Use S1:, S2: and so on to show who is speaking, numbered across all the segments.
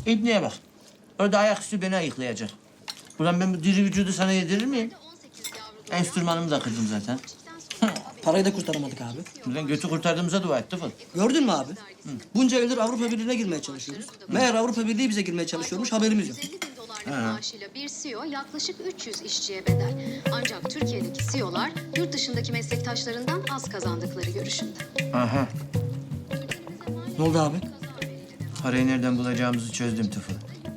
S1: İbniye bak. Orada ayaküstü beni ayıklayacak. Ulan ben bu diri vücudu sana yedirir miyim? Enstrümanımı da kırdım zaten.
S2: Parayı da kurtaramadık abi.
S1: Ulan götü kurtardığımıza dua et Tıfıl.
S2: Gördün mü abi? Bunca yıldır Avrupa Birliği'ne girmeye çalışıyoruz. Meğer Avrupa Birliği bize girmeye çalışıyormuş, haberimiz yok.
S3: 150 bin dolarlık maaşıyla bir CEO yaklaşık 300 işçiye bedel. Ancak Türkiye'deki CEO'lar yurt dışındaki meslektaşlarından az kazandıkları görüşünde.
S1: Aha.
S2: Ne oldu abi?
S1: Parayı nereden bulacağımızı çözdüm Tıfıl.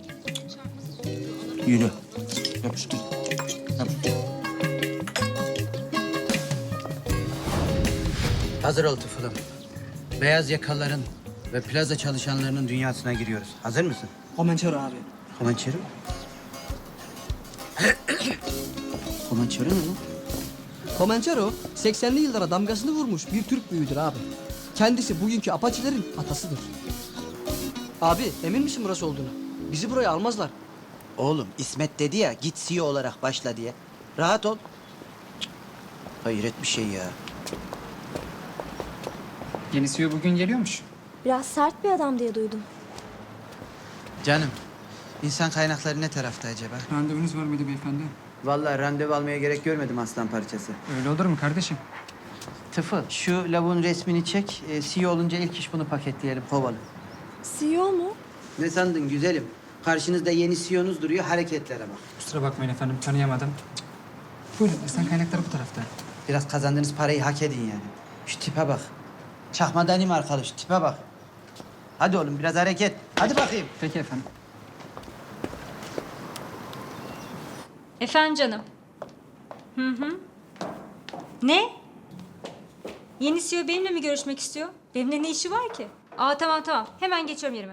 S1: Yürü. Yapıştır. Yapıştır.
S4: Hazır ol Tıfıl'ım. Beyaz yakalıların ve plaza çalışanlarının dünyasına giriyoruz. Hazır mısın?
S2: Komençero abi.
S4: Komançeri mi? Komançeri ne lan?
S2: Komençero 80'li yıllara damgasını vurmuş bir Türk büyüğüdür abi. Kendisi bugünkü Apaçilerin atasıdır. Abi emin misin burası olduğunu? Bizi buraya almazlar.
S4: Oğlum İsmet dedi ya git CEO olarak başla diye. Rahat ol. Cık, hayret bir şey ya.
S5: Yeni CEO bugün geliyormuş.
S6: Biraz sert bir adam diye duydum.
S4: Canım insan kaynakları ne tarafta acaba?
S5: Randevunuz var mıydı beyefendi?
S4: Vallahi randevu almaya gerek görmedim aslan parçası.
S5: Öyle olur mu kardeşim?
S4: Tıfıl şu lavuğun resmini çek. CEO olunca ilk iş bunu paketleyelim kovalı.
S6: CEO mu?
S4: Ne sandın güzelim? Karşınızda yeni CEO'nuz duruyor hareketlere bak.
S5: Kusura bakmayın efendim, tanıyamadım. Buyurun, insan kaynakları bu tarafta.
S4: Biraz kazandığınız parayı hak edin yani. Şu tipe bak. Çakma Danimarkalı şu tipe bak. Hadi oğlum biraz hareket. Hadi bakayım.
S5: Peki efendim.
S7: Efendim canım. Ne? Yeni CEO benimle mi görüşmek istiyor? Benimle ne işi var ki? Aa tamam. Hemen geçiyorum yerime.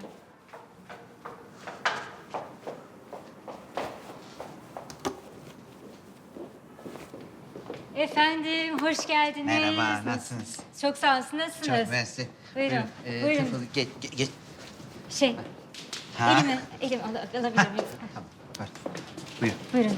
S7: Efendim, hoş geldiniz.
S4: Merhaba, nasılsınız?
S7: Çok sağ olun, nasılsınız?
S4: Çok mersi.
S7: Buyurun,
S4: Buyurun.
S7: buyurun.
S4: Tıfıl, geç.
S7: Şey,
S4: Ha?
S7: elimi alabilir miyim?
S4: Tamam, var. Buyurun.
S7: Buyurun.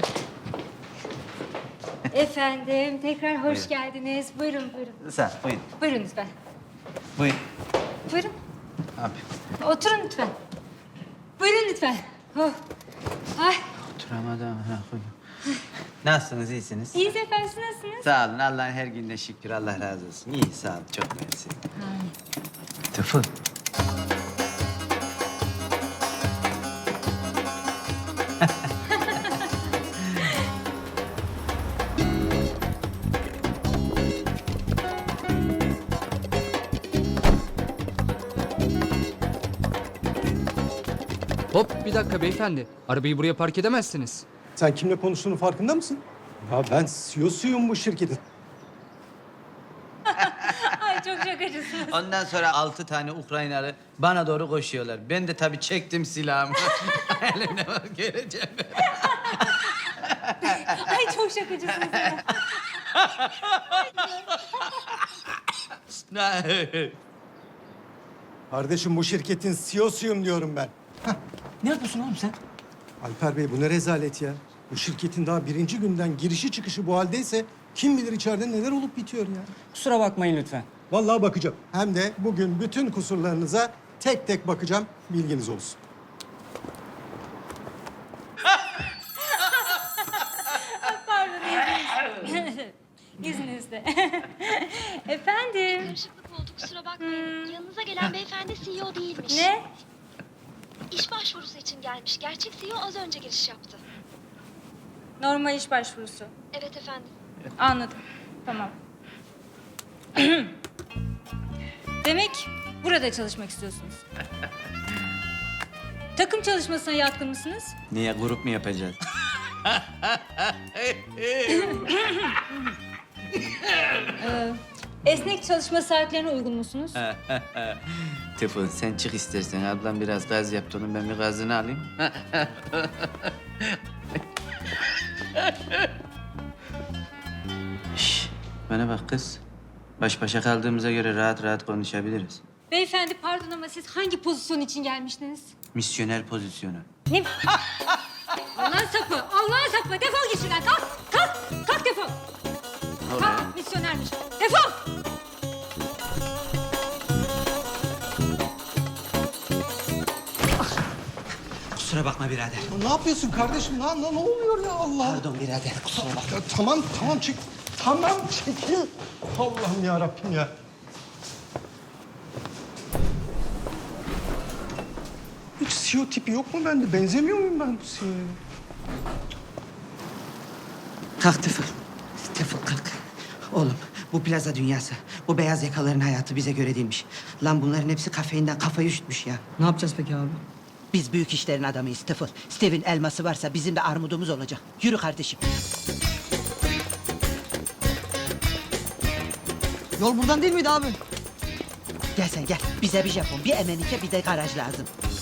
S7: Efendim, tekrar hoş
S4: Buyurun.
S7: geldiniz. Buyurun.
S4: Sağ ol, buyurun.
S7: Buyurun lütfen.
S4: Buyurun.
S7: Buyurun.
S4: Abi.
S7: Oturun lütfen. Buyurun lütfen. Oh. Ay,
S4: Oturamadım. Ha, buyurun. Nasılsınız, iyisiniz?
S7: iyiyiz efendim, siz nasılsınız?
S4: Sağ olun, Allah'ın her gününe şükür. Allah razı olsun. İyi, sağ olun. Çok mersi. Tıfıl.
S8: Hop bir dakika beyefendi. Arabayı buraya park edemezsiniz.
S9: Sen kimle konuştuğunun farkında mısın? Ya ben CEO'suyum bu şirketin.
S7: Ay çok şakacısınız.
S4: Ondan sonra 6 tane Ukraynalı bana doğru koşuyorlar. Ben de tabii çektim silahımı. Elimde var göreceğim.
S7: Ay çok şakacısınız ya.
S9: Kardeşim bu şirketin CEO'suyum diyorum ben.
S2: Ne yapıyorsun oğlum sen?
S9: Alper Bey bu ne rezalet ya. Bu şirketin daha birinci günden girişi çıkışı bu haldeyse kim bilir içeride neler olup bitiyor ya.
S2: Kusura bakmayın lütfen.
S9: Vallahi bakacağım. Hem de bugün bütün kusurlarınıza tek tek bakacağım. Bilginiz olsun.
S7: İzninizle. Efendim.
S6: Karışıklık oldu kusura bakmayın. Yanınıza gelen beyefendi CEO değilmiş.
S7: Ne?
S6: İş başvurusu için gelmiş. Gerçek CEO az önce giriş yaptı.
S7: Normal iş başvurusu.
S6: Evet efendim.
S7: Anladım. Tamam. Demek burada çalışmak istiyorsunuz. Takım çalışmasına yatkın mısınız?
S4: Niye grup mu yapacağız?
S7: Esnek çalışma saatlerine uygun musunuz?
S4: Tıfıl sen çık istersen. Ablam biraz gaz yaptı onun ben bir gazını alayım. Şş, bana bak kız. Baş başa kaldığımıza göre rahat rahat konuşabiliriz.
S7: Beyefendi pardon ama siz hangi pozisyon için gelmiştiniz?
S4: Misyoner pozisyonu.
S7: Ne? Allah'ın sapı, Allah'ın sapı. Defol git şuradan. Kalk defol. Kalk, misyonermiş. Defol.
S4: Kusura bakma birader.
S9: Ne yapıyorsun kardeşim? Lan ne oluyor ya Allah?
S4: Pardon birader. Kusura bakma.
S9: Ya, tamam çek. Tamam çekil. Allah'ım ya Rabbim ya. Hiç CEO tipi yok mu bende? Benzemiyor muyum ben bu CEO'ya?
S4: Kalk Tıfıl. Tıfıl kalk. Oğlum bu plaza dünyası. Bu beyaz yakaların hayatı bize göre değilmiş. Lan bunların hepsi kafeinden kafayı üşütmüş ya.
S2: Ne yapacağız peki abi?
S4: Biz büyük işlerin adamıyız Tıfıl. Steve'in elması varsa bizim de armudumuz olacak. Yürü kardeşim.
S2: Yol buradan değil miydi abi?
S4: Gel sen gel. Bize bir Japon, bir Emenike, bir de garaj lazım.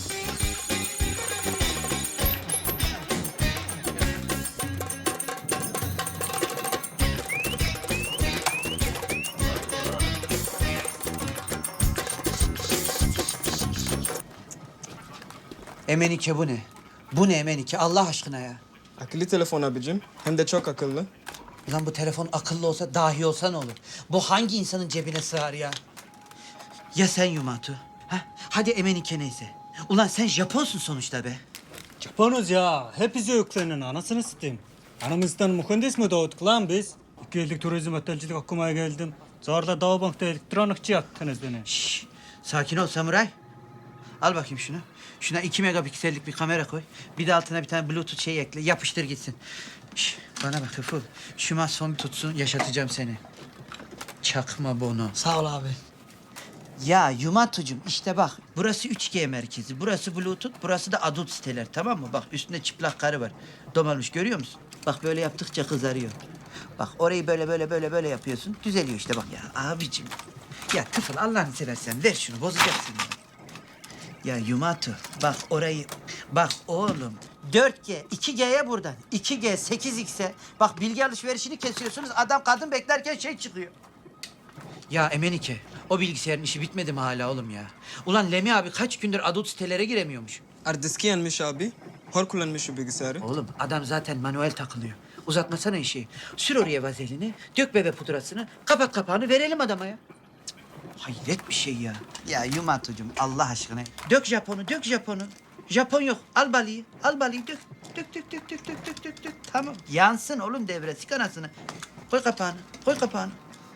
S4: Emenike bu ne? Bu ne Emenike Allah aşkına ya?
S10: Akıllı telefon abicim. Hem de çok akıllı.
S4: Lan bu telefon akıllı olsa, dahi olsa ne olur? Bu hangi insanın cebine sığar ya? Ya sen Yumatu? Ha? Hadi Emenike neyse. Ulan sen Japonsun sonuçta be.
S11: Japonuz ya. Hep bize yüklenin anasını satayım. Anamızdan mühendis mi doğduk lan biz? 2 yıllık turizm otelcilik okumaya geldim. Sonra Doğu Bank'ta elektronikçi yaptınız beni.
S4: Şşş, sakin ol samuray. Al bakayım şunu. Şuna 2 megapiksellik bir kamera koy. Bir de altına bir tane bluetooth şey ekle. Yapıştır gitsin. Şş, bana bak Hıfıl. Şu masson bir tutsun, yaşatacağım seni. Çakma Bono.
S2: Sağ ol abi.
S4: Ya Yumatucuğum işte bak. Burası 3G merkezi. Burası bluetooth, burası da adult siteler tamam mı? Bak üstünde çıplak karı var. Domalmış görüyor musun? Bak böyle yaptıkça kızarıyor. Bak orayı böyle yapıyorsun. Düzeliyor işte bak ya abicim. Ya Tıfıl Allah'ını seversen ver şunu bozacaksın ya. Ya Yumatu bak orayı. Bak oğlum 4G, 2G'ye buradan. 2G, 8X'e. Bak bilgi alışverişini kesiyorsunuz. Adam kadın beklerken şey çıkıyor. Ya Emenike, o bilgisayarın işi bitmedi mi hala oğlum ya? Ulan Lemi abi kaç gündür adult sitelere giremiyormuş.
S10: Ardiski yenmiş abi. Hor kullanmış şu bilgisayarı.
S4: Oğlum adam zaten manuel takılıyor. Uzatmasana işi. Sür oraya vazelini, dök bebe pudrasını, kapat kapağını verelim adama ya. Cık, hayret bir şey ya. Ya Yumatucuğum Allah aşkına. Dök Japon'u, dök Japon'u. Japon yok. Al balıyı, al balıyı dök. Dök. Tamam. Yansın oğlum devre, sik anasını. Koy kapağını, koy kapağını.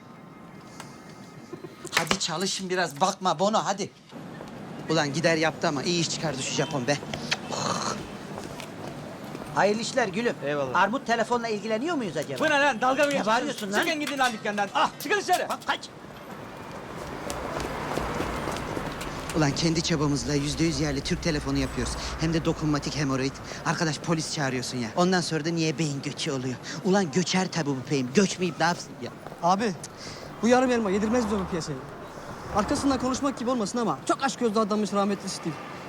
S4: Hadi çalışın biraz. Bakma Bono hadi. Ulan gider yaptı ama iyi iş çıkardı şu Japon be. Hayırlı işler gülüm.
S11: Eyvallah.
S4: Armut telefonla ilgileniyor muyuz acaba?
S11: Bu ne lan? Dalga mı
S4: Ne bağırıyorsun lan?
S11: Çıkın gidin lan dükkandan. Ah çıkın dışarı.
S4: Bak kaç. Ulan kendi çabamızla %100 yerli Türk telefonu yapıyoruz. Hem de dokunmatik hemoroid. Arkadaş polis çağırıyorsun ya. Ondan sonra da niye beyin göçü oluyor? Ulan göçer tabii bu beyin. Göçmeyip ne yapsın ya?
S2: Abi bu yarım elma yedirmez biz onu piyasaya. Arkasından konuşmak gibi olmasın ama çok aşk gözlü adammış rahmetli Steve.